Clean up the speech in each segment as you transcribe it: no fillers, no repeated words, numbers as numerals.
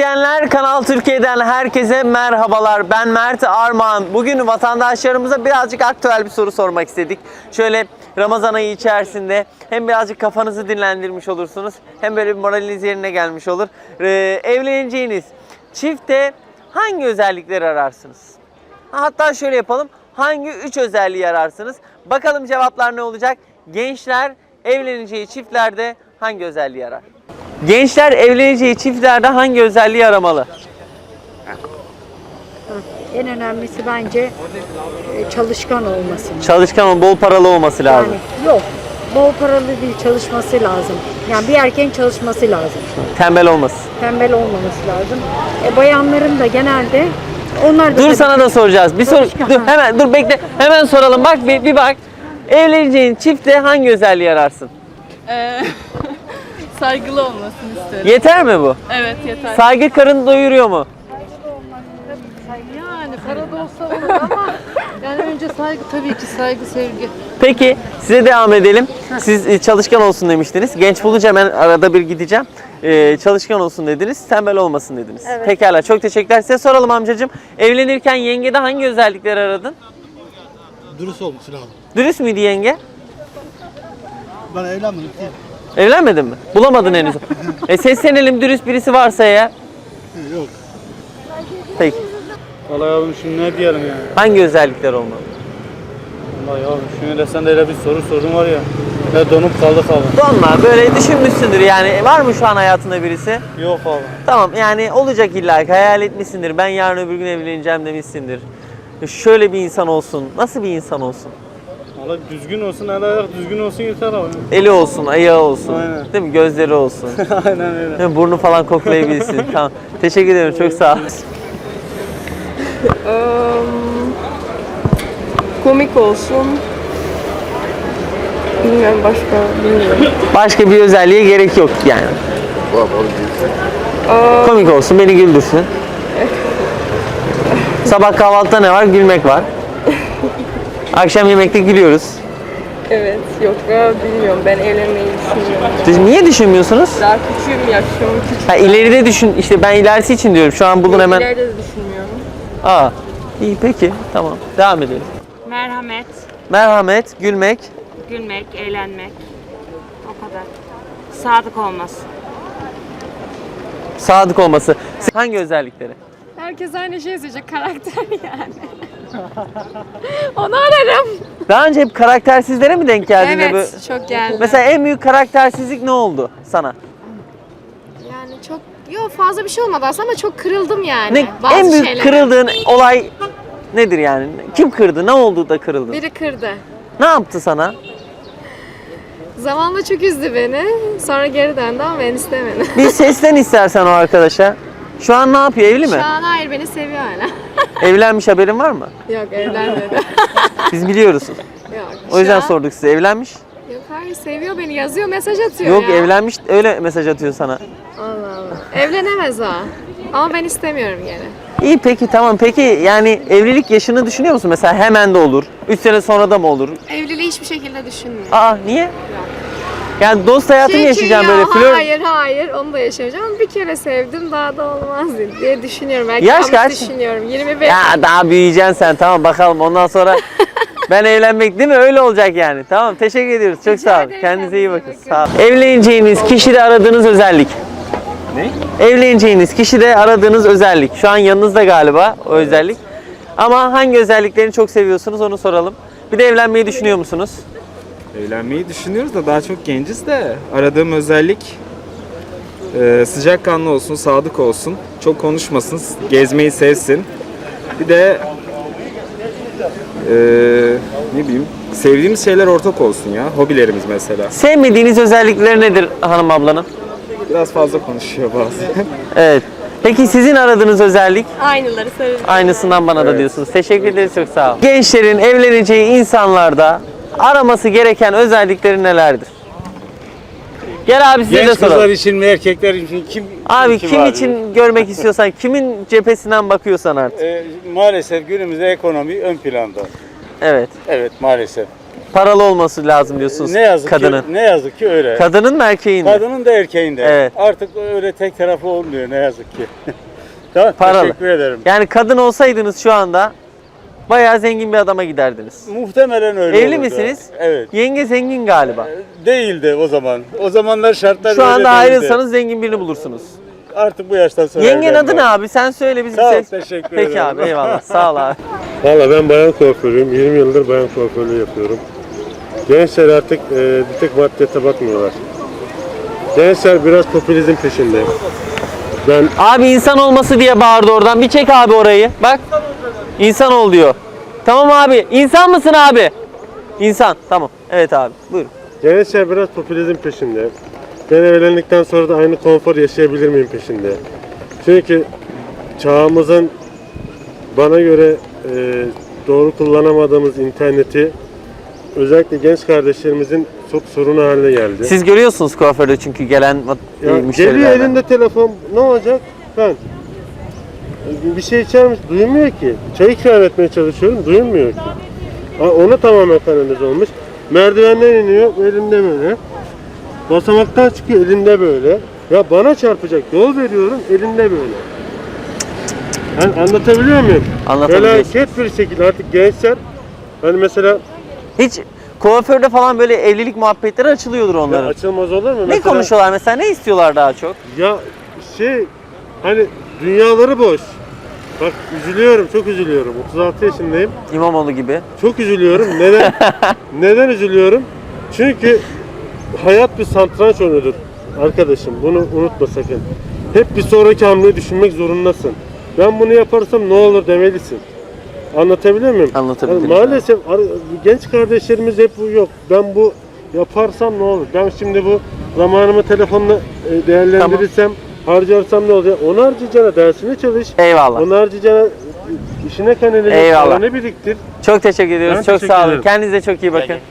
izleyenler, Kanal Türkiye'den herkese merhabalar. Ben Mert Armağan. Bugün vatandaşlarımıza birazcık aktüel bir soru sormak istedik. Şöyle Ramazan ayı içerisinde hem birazcık kafanızı dinlendirmiş olursunuz, hem böyle bir moraliniz yerine gelmiş olur. Evleneceğiniz çifte hangi özellikleri ararsınız? Hatta şöyle yapalım. Hangi 3 özelliği ararsınız? Bakalım cevaplar ne olacak? Gençler evleneceği çiftlerde hangi özelliği arar? Gençler evleneceği çiftlerde hangi özelliği aramalı? En önemlisi bence çalışkan olması. Çalışkan, bol paralı olması lazım. Yani yok, bol paralı değil, çalışması lazım. Yani bir erkeğin çalışması lazım. Tembel olması. Tembel olmaması lazım. Bayanların da genelde onlar da... Dur, sana da soracağız. Bir soru. Dur, hemen dur, bekle. Hemen soralım. Bak bir bak. Evleneceğin çifte hangi özelliği ararsın? Saygılı olmasını isterim. Yeter mi bu? Evet, yeter. Saygı karın doyuruyor mu? Yani para da olsa olur ama yani önce saygı, tabii ki saygı, sevgi. Peki size devam edelim. Siz çalışkan olsun demiştiniz. Genç bulunca hemen arada bir gideceğim. Çalışkan olsun dediniz, tembel olmasın dediniz. Evet. Pekala, çok teşekkürler. Size soralım amcacığım. Evlenirken yengede hangi özellikleri aradın? Dürüst olması lazım. Dürüst müydü yenge? Ben evlenmedim değil. Evlenmedin mi? Bulamadın henüz. Seslenelim, dürüst birisi varsa ya. Yok. Peki. Vallahi yavrum şimdi ne diyelim yani? Hangi özellikler olmalı? Vallahi yavrum şimdi sen de öyle bir soru sordun var ya. Ne donup kaldık abi. Donma, böyle düşünmüşsündür yani. Var mı şu an hayatında birisi? Yok abi. Tamam, yani olacak illa ki, hayal etmişsindir. Ben yarın öbür gün evleneceğim demişsindir. Şöyle bir insan olsun. Nasıl bir insan olsun? Vallahi düzgün olsun, el ayak düzgün olsun yeter abi. Eli olsun, ayağı olsun. Aynen. Değil mi? Gözleri olsun. Aynen öyle. Değil mi? Burnu falan koklayabilsin. Tamam. Teşekkür ederim. Çok sağ ol. Komik olsun. Bilmiyorum, başka bilmiyorum. Başka bir özelliğe gerek yok yani. Komik olsun, beni güldürsün. Sabah kahvaltıda ne var? Gülmek var. Akşam yemekte gülüyoruz. Evet, yok ya, bilmiyorum, ben evlenmeyi düşünmüyorum. Siz niye düşünmüyorsunuz? Daha küçüğüm, yaşım küçük. Ha, ileride düşün. İşte ben ilerisi için diyorum. Şu an bulun hemen. İleride de düşünmüyorum. Aa, iyi peki. Tamam. Devam edelim. Merhamet, Merhamet, gülmek. gülmek, eğlenmek. O kadar. Sadık olması. Sadık olması. Hangi özellikleri? Herkes aynı şeyi söyleyecek, karakter yani. Onu ararım. Daha önce hep karaktersizlere mi denk geldin? de Evet, çok geldi. Mesela en büyük karaktersizlik ne oldu sana? Yani çok yok fazla bir şey olmadı aslında ama çok kırıldım yani. Ne, Bazı en büyük şeylere. kırıldığın olay nedir yani? Kim kırdı? Ne oldu da kırıldın? Biri kırdı. Ne yaptı sana? Zamanla çok üzdü beni. Sonra geri döndü ama ben istemedim. Bir seslen istersen o arkadaşa. Şu an ne yapıyor? Evli mi? Şu an hayır beni seviyor hala. Evlenmiş, haberin var mı? Yok evlenmedi. Biz biliyoruz. Yok. O yüzden şu an- sorduk size. Evlenmiş? Yok hayır seviyor beni yazıyor mesaj atıyor Yok, ya. evlenmiş, öyle mesaj atıyor sana. Allah Allah. Evlenemez o. Ama ben istemiyorum gene. İyi peki, tamam. Peki yani evlilik yaşını düşünüyor musun? Mesela hemen de olur. 3 sene sonra da mı olur? Evliliği hiçbir şekilde düşünmüyorum. Aa, niye? Yani dost hayatı mı yaşayacağım ya, böyle flört? Hayır onu da yaşamayacağım ama bir kere sevdim daha da olmaz diye düşünüyorum. Belki Yaş yanlış kaç? düşünüyorum. 25. Ya daha büyüyeceksin sen, tamam, bakalım ondan sonra ben evlenmek, değil mi? Öyle olacak yani. Tamam, teşekkür ediyoruz. Çok sağ olun. ederim, Kendinize iyi kendinize bakın. iyi Sağ olun. Evleneceğiniz kişide aradığınız özellik. Ne? Evleneceğiniz kişide aradığınız özellik. Şu an yanınızda galiba o özellik. Ama hangi özelliklerini çok seviyorsunuz onu soralım. Bir de evlenmeyi düşünüyor musunuz? Evlenmeyi düşünüyoruz da daha çok genciz de aradığım özellik sıcakkanlı olsun, sadık olsun, çok konuşmasın, gezmeyi sevsin. Bir de ne bileyim sevdiğimiz şeyler ortak olsun ya, hobilerimiz mesela. Sevmediğiniz özellikleri nedir hanım ablanın? Biraz fazla konuşuyor bazen. Evet. Peki sizin aradığınız özellik? Aynıları söyleyeceğim. Aynısından bana da diyorsunuz. Teşekkür ederiz, çok sağ olun. Gençlerin evleneceği insanlarda araması gereken özellikleri nelerdir? Gel abi, size de Genç kızlar soralım. için mi erkekler için kim? Abi kim abi? için görmek istiyorsan, kimin cephesinden bakıyorsan artık. Maalesef günümüzde ekonomi ön planda. Evet. Evet maalesef. Paralı olması lazım diyorsunuz Ne yazık kadının. ki ne yazık ki öyle. Kadının mı erkeğin mi? Kadının da erkeğin de. Evet. Artık öyle tek taraflı olmuyor ne yazık ki. Tamam, Paralı. teşekkür ederim. Yani kadın olsaydınız şu anda bayağı zengin bir adama giderdiniz. Muhtemelen öyle Evli olurdu. misiniz? Evet. Yenge zengin galiba. Değildi o zaman. O zamanlar şartlar Şu öyle anda değildi. ayrılsanız zengin birini bulursunuz. Artık bu yaştan sonra Yengenin evlenmem. adı ne abi? Sen söyle bizim Sağ ol, ses. teşekkür Peki ederim. abi eyvallah. Sağ ol abi. Valla ben bayan kuaförüyüm. 20 yıldır bayan kuaförlüğü yapıyorum. Gençler artık bir tek maddiyata bakmıyorlar. Gençler biraz popülizm peşinde. Ben Abi insan olması diye bağırdı oradan. Bir çek abi orayı. Bak. İnsan ol diyor. Tamam abi. İnsan mısın abi? İnsan. Tamam. Evet abi. Buyurun. gençler biraz popülizm peşinde. Ben evlendikten sonra da aynı konfor yaşayabilir miyim peşinde. Çünkü çağımızın bana göre doğru kullanamadığımız interneti özellikle genç kardeşlerimizin çok sorunu haline geldi. Siz görüyorsunuz kuaförde çünkü gelen Ya geliyor müşterilerden. elinde telefon, ne olacak? Ben bir şey içer misin? Duymuyor ki. Çay ikram etmeye çalışıyorum, duymuyor ki. Ona tamamen kanalize olmuş. Merdivenden iniyor, elinde böyle. Basamaktan çıkıyor, elinde böyle. Ya bana çarpacak, yol veriyorum, elinde böyle. Yani anlatabiliyor muyum? Anlatabiliyorsun. Felaket bir şekilde artık gençler, hani mesela Hiç kuaförde falan böyle evlilik muhabbetleri açılıyordur ya onların. açılmaz olur mu? Ne Mesela- konuşuyorlar mesela? Ne istiyorlar daha çok? Ya hani dünyaları boş. Bak üzülüyorum, çok üzülüyorum. 36 yaşındayım. İmamoğlu gibi. Çok üzülüyorum. Neden? Neden üzülüyorum? Çünkü hayat bir satranç oyunudur arkadaşım. Bunu unutma sakın. Hep bir sonraki hamleyi düşünmek zorundasın. Ben bunu yaparsam ne olur demelisin. Anlatabiliyor muyum? Anlatabilirim. Yani maalesef genç kardeşlerimiz hep bu yok. Ben bu yaparsam ne olur? Ben şimdi bu zamanımı telefonla değerlendirirsem, harcarsam ne olacak? Onu harcayacağına dersine çalış. Eyvallah. Onu harcayacağına işine kanalize Eyvallah. paranı biriktir. Çok teşekkür ediyoruz. Ben çok teşekkür sağ olun. ederim. Kendinize çok iyi bakın.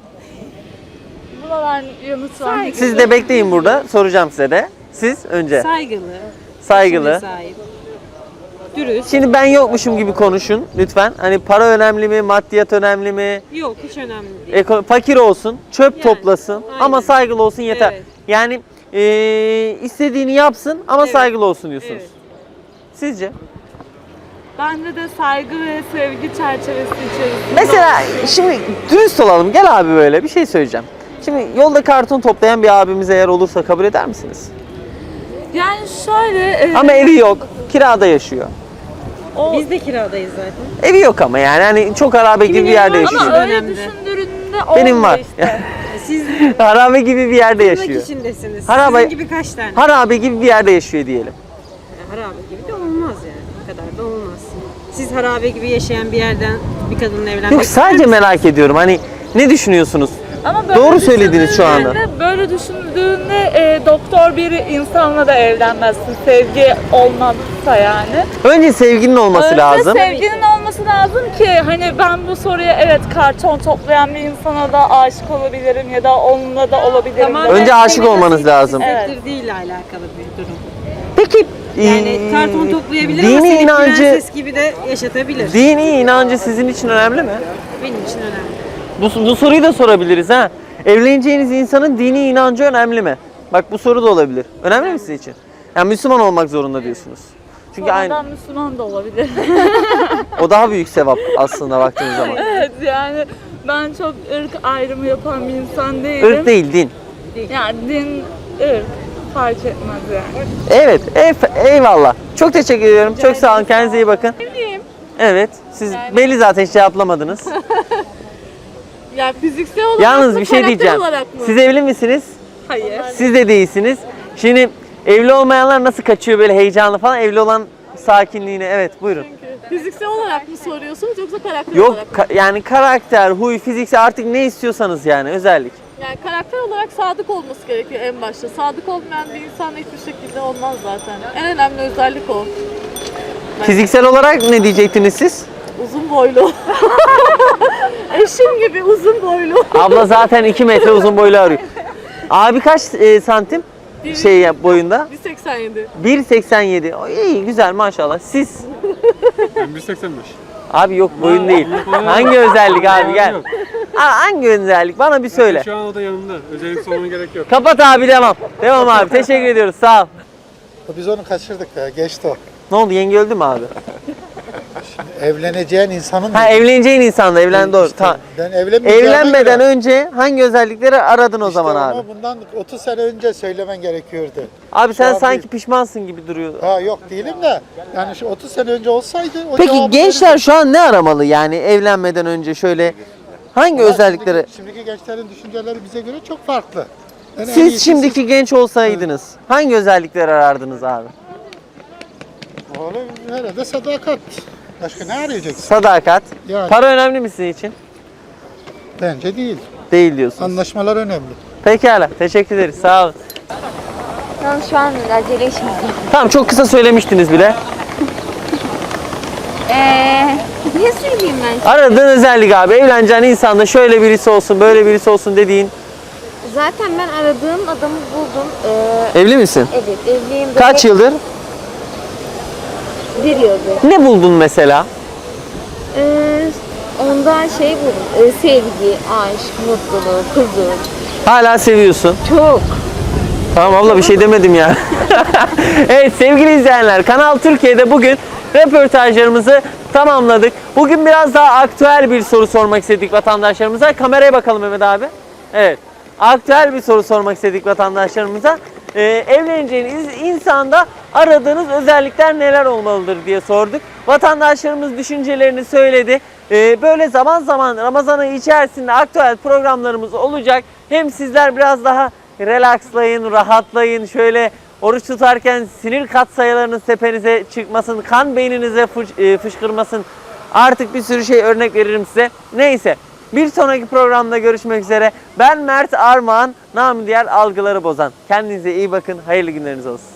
Buralar yanıt var. Siz de bekleyin burada. Soracağım size de. Siz önce. Saygılı, Saygılı. sahip, dürüst. Şimdi ben yokmuşum gibi konuşun lütfen. Hani para önemli mi, maddiyat önemli mi? Yok, hiç önemli değil. Fakir olsun, çöp Yani, toplasın aynen. ama saygılı olsun yeter. Evet. Yani istediğini yapsın ama Evet. saygılı olsun diyorsunuz. Evet. Sizce? Bence de saygı ve sevgi çerçevesi içerisinde. Mesela şimdi dürüst olalım. Gel abi böyle bir şey söyleyeceğim. Şimdi yolda karton toplayan bir abimiz eğer olursa kabul eder misiniz? Yani şöyle... Ama evi yok, kirada yaşıyor. Biz de kiradayız zaten. Evi yok ama yani hani çok harabe gibi bir yerde yaşıyor. Ama öyle Önemli. düşündüğünde Benim olmuyor var. işte. Siz Harabe gibi bir yerde tırnak yaşıyor. içindesiniz. Harabe- Sizin gibi kaç tane? Harabe gibi bir yerde yaşıyor diyelim. Harabe gibi de olmaz yani. O kadar da olmaz. Siz harabe gibi yaşayan bir yerden bir kadınla evlenmek Yok sadece merak ediyorum hani ne düşünüyorsunuz? Ama böyle Doğru söylediniz şu anda. düşündüğünde- Böyle düşündüğünde doktor bir insanla da evlenmezsin. Sevgi olmazsa yani. Önce sevginin olması Önce lazım. sevginin olması lazım ki hani ben bu soruya evet karton toplayan bir insana da aşık olabilirim ya da onunla da olabilirim. Tamamen demek. Önce aşık sevgi olmanız nasıl lazım. hissettirdiğiyle alakalı bir durum. Peki Yani karton toplayabilir ama dini seni inancı prenses gibi de yaşatabilir. dini inancı sizin için önemli mi? Benim için önemli. Bu soruyu da sorabiliriz ha. Evleneceğiniz insanın dini inancı önemli mi? Bak bu soru da olabilir. Önemli mi sizin için? Yani Müslüman olmak zorunda diyorsunuz. Çünkü Sonradan Müslüman da olabilir. o daha büyük sevap aslında baktığınız zaman. Evet yani ben çok ırk ayrımı yapan bir insan değilim. Irk değil din. Yani din, ırk fark etmez yani. Evet, eyvallah. Çok teşekkür ediyorum. Çok sağ olun. Kendinize iyi bakın. Evet, siz belli zaten hiç cevaplamadınız. Yani fiziksel olarak Yalnız mı, bir şey karakter diyeceğim. olarak mı? Siz evli misiniz? Hayır. Siz de değilsiniz. Şimdi evli olmayanlar nasıl kaçıyor böyle heyecanlı falan? Evli olan sakinliğine. Evet, buyurun. Fiziksel olarak mı soruyorsunuz yoksa karakter Yok olarak mı? yani karakter, huy, fiziksel artık ne istiyorsanız yani özellik. Yani karakter olarak sadık olması gerekiyor en başta. Sadık olmayan bir insan hiçbir şekilde olmaz zaten. En önemli özellik o. Fiziksel olarak ne diyecektiniz siz? Uzun boylu. Eşim gibi uzun boylu. Abla zaten 2 metre uzun boylu arıyor. Abi kaç santim boyunda? 1.87. 1.87. O iyi güzel maşallah. Siz? Ben 1.85. Abi yok boyun değil. Hangi özellik abi gel. Hangi özellik? Bana bir söyle. Şu an o da yanında. Özellik sormana gerek yok. Kapat abi, devam. Devam abi. Teşekkür ediyoruz. Sağ ol. Biz onu kaçırdık ya. Geçti o. Ne oldu? Yenge öldü mü abi? Evleneceğin insanın... Ha, evleneceğin insanla evlen, doğru. Tamam. Ben evlenmeyeceğime Evlenmeden göre- önce hangi özellikleri aradın o İşte zaman onu abi? bundan 30 sene önce söylemen gerekiyordu. Abi sen an sanki değil. pişmansın gibi duruyor. Ha yok değilim de. Yani şu 30 sene önce olsaydı o Peki cevabı gençler verirdim. şu an ne aramalı yani evlenmeden önce şöyle hangi Ama özellikleri? Şimdiki gençlerin düşünceleri bize göre çok farklı. Yani en Siz iyisi şimdiki genç olsaydınız hangi özellikleri arardınız abi? Oğlum herhalde sadakat. Başka ne arayacaksın? Sadakat. Yani. Para önemli mi sizin için? Bence değil. Değil diyorsunuz. Anlaşmalar önemli. Pekala. Teşekkür ederiz. Sağ olun. Şu an acele işimiz yok. Tamam, çok kısa söylemiştiniz bile. Ne söyleyeyim ben? Aradığın özellik abi. Evleneceğin insanda şöyle birisi olsun, böyle birisi olsun dediğin. Zaten ben aradığım adamı buldum. Evli misin? Evet, evliyim. Kaç yıldır? Bir yıldır. Ne buldun mesela? Ondan şey buldum. Sevgi, aşk, mutluluk, huzur. Hala seviyorsun. Çok. Tamam abla, bir şey demedim ya. Evet sevgili izleyenler, Kanal Türkiye'de bugün röportajlarımızı tamamladık. Bugün biraz daha aktüel bir soru sormak istedik vatandaşlarımıza. Kameraya bakalım Mehmet abi. Evet. Aktüel bir soru sormak istedik vatandaşlarımıza. Evleneceğiniz insanda aradığınız özellikler neler olmalıdır diye sorduk. Vatandaşlarımız düşüncelerini söyledi. Böyle zaman zaman Ramazan ayı içerisinde aktüel programlarımız olacak. Hem sizler biraz daha relakslayın, rahatlayın. Şöyle oruç tutarken sinir katsayılarınız tepenize çıkmasın, kan beyninize fışkırmasın. Artık bir sürü şey örnek veririm size. Neyse, bir sonraki programda görüşmek üzere. Ben Mert Armağan, namı diğer Algıları Bozan. Kendinize iyi bakın, hayırlı günleriniz olsun.